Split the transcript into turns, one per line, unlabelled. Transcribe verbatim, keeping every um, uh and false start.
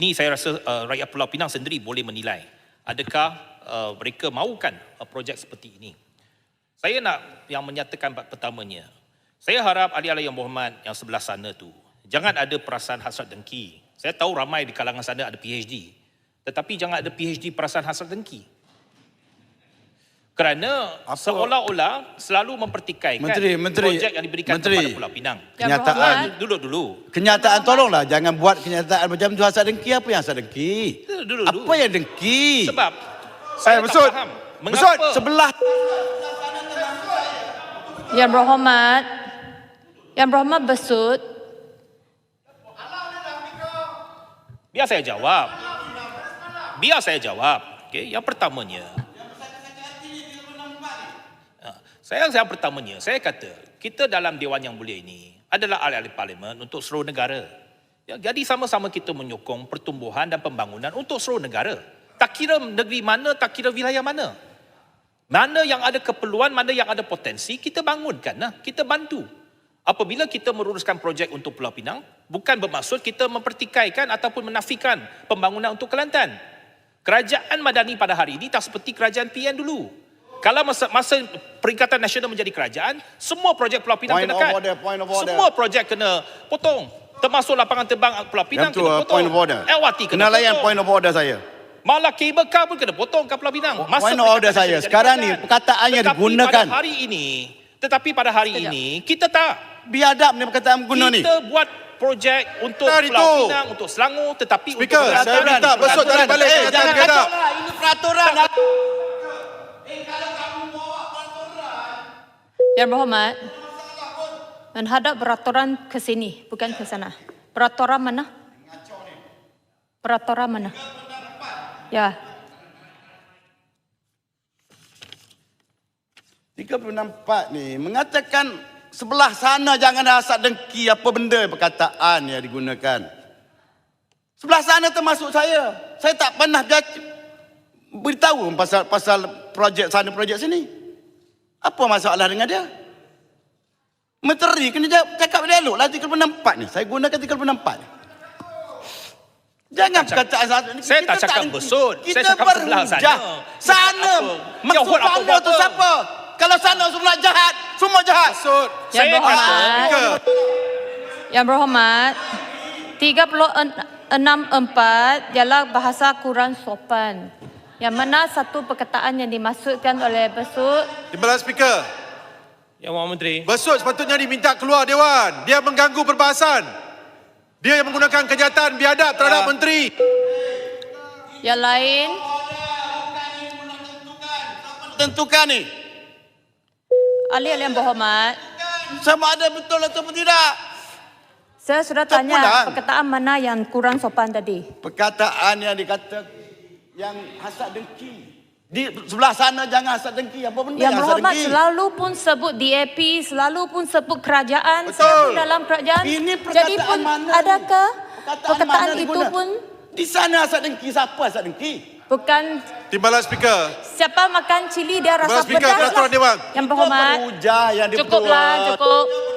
Ni saya rasa uh, rakyat Pulau Pinang sendiri boleh menilai adakah uh, mereka mahukan uh, projek seperti ini. Saya nak yang menyatakan pertamanya, saya harap ahli-ahli yang berhormat yang sebelah sana tu jangan ada perasaan hasrat dengki. Saya tahu ramai di kalangan sana ada P H D, tetapi jangan ada P H D perasaan hasrat dengki. Kerana Apa? seolah-olah selalu mempertikaikan
Menteri, Menteri,
projek yang diberikan
Menteri,
kepada Pulau Pinang.
Kenyataan
dulu-dulu.
Kenyataan tolonglah jangan buat kenyataan macam tu hasrat dengki. Apa yang hasrat dengki?
Dulu-dulu.
Apa yang dengki?
Sebab
saya
tak
besut.
faham
Besut sebelah.
Yang berhormat, Yang berhormat besut.
Biar saya jawab. Biar saya jawab. Okay. Yang pertamanya, Saya yang pertamanya, saya kata, kita dalam Dewan Yang Mulia ini adalah ahli-ahli parlimen untuk seluruh negara. Ya, jadi sama-sama kita menyokong pertumbuhan dan pembangunan untuk seluruh negara. Tak kira negeri mana, tak kira wilayah mana. Mana yang ada keperluan, mana yang ada potensi, kita bangunkan. Nah, kita bantu. Apabila kita meruruskan projek untuk Pulau Pinang, bukan bermaksud kita mempertikaikan ataupun menafikan pembangunan untuk Kelantan. Kerajaan Madani pada hari ini tak seperti kerajaan P N dulu. Kalau masa, masa Perikatan Nasional menjadi kerajaan, semua projek Pulau Pinang
Point
kena
of
cut.
order, point of order.
Semua projek kena potong. Termasuk lapangan terbang Pulau Pinang
Yang tu,
kena potong.
point of order.
L R T kena
Kena layan
potong.
point of order saya.
Malah kabel car pun kena potong kat Pulau Pinang. Masa
Point of order
Perikatan
saya.
Nasional jadi
Sekarang ni
kerajaan.
perkataan yang
Tetapi
digunakan.
pada hari ini, tetapi pada hari
Sekejap.
ini, kita tak.
Biadab ni perkataan guna ni.
Kita buat projek untuk
Tak
Pulau
itu.
Pinang, untuk Selangor, tetapi
Speaker,
untuk
saya
Kelantan.
minta besut tarik balik
Eh,
kenyataan
jangan
biadab.
kacau lah.
Ini peraturan.
Yang berhormat, menghadap peraturan ke sini, bukan ke sana. Peraturan mana? Peraturan mana? Ya.
tiga puluh enam empat ni mengatakan sebelah sana jangan ada hasad dengki apa benda perkataan yang digunakan. Sebelah sana termasuk saya. Saya tak pernah beritahu pasal pasal projek sana projek sini. Apa masalah dengan dia? Menteri kena jawab, cakap dialog lah tiga puluh enam empat ni. Saya gunakan tiga puluh enam empat ni. Jangan perkataan hasad dengki.
Saya tak
Kita
cakap besut.
Kita
Saya cakap sebelah sana.
berhujah. Sana.
Apa?
Maksud
Jawab apa
sana tu
apa?
siapa? Kalau sana semua jahat, semua jahat.
Besut.
Yang
Saya
berhormat,
Speaker.
Yang berhormat, tiga puluh enam empat ialah bahasa kurang sopan. Yang mana satu perkataan yang dimaksudkan oleh besut.
Timbalan Speaker.
Yang Mohd Menteri.
Besut sepatutnya diminta keluar Dewan. Dia mengganggu perbahasan. Dia yang menggunakan kenyataan biadab terhadap
Ya.
menteri.
Yang lain,
Tentukan ni.
ahli-ahli yang berhormat,
Sama ada betul ataupun tidak.
saya sudah
Tak
tanya
pulang.
perkataan mana yang kurang sopan tadi.
Perkataan yang dikata yang hasad dengki. Di sebelah sana jangan hasad dengki. Apa benda
Yang
yang hasad
berhormat
dengki?
selalu pun sebut D A P, selalu pun sebut kerajaan,
Betul.
saya pun dalam kerajaan.
Ini
Jadi
perkataan
pun
mana ni?
adakah
Perkataan
perkataan
mana
itu
diguna?
pun
Di sana hasad dengki. Siapa hasad dengki?
bukan
Timbalan Speaker.
siapa makan cili dia rasa
Timbalan Speaker,
pedas
peraturan
lah.
Dewan.
Yang berhormat,
Hujah yang
cukuplah,
diperbuat.
cukup.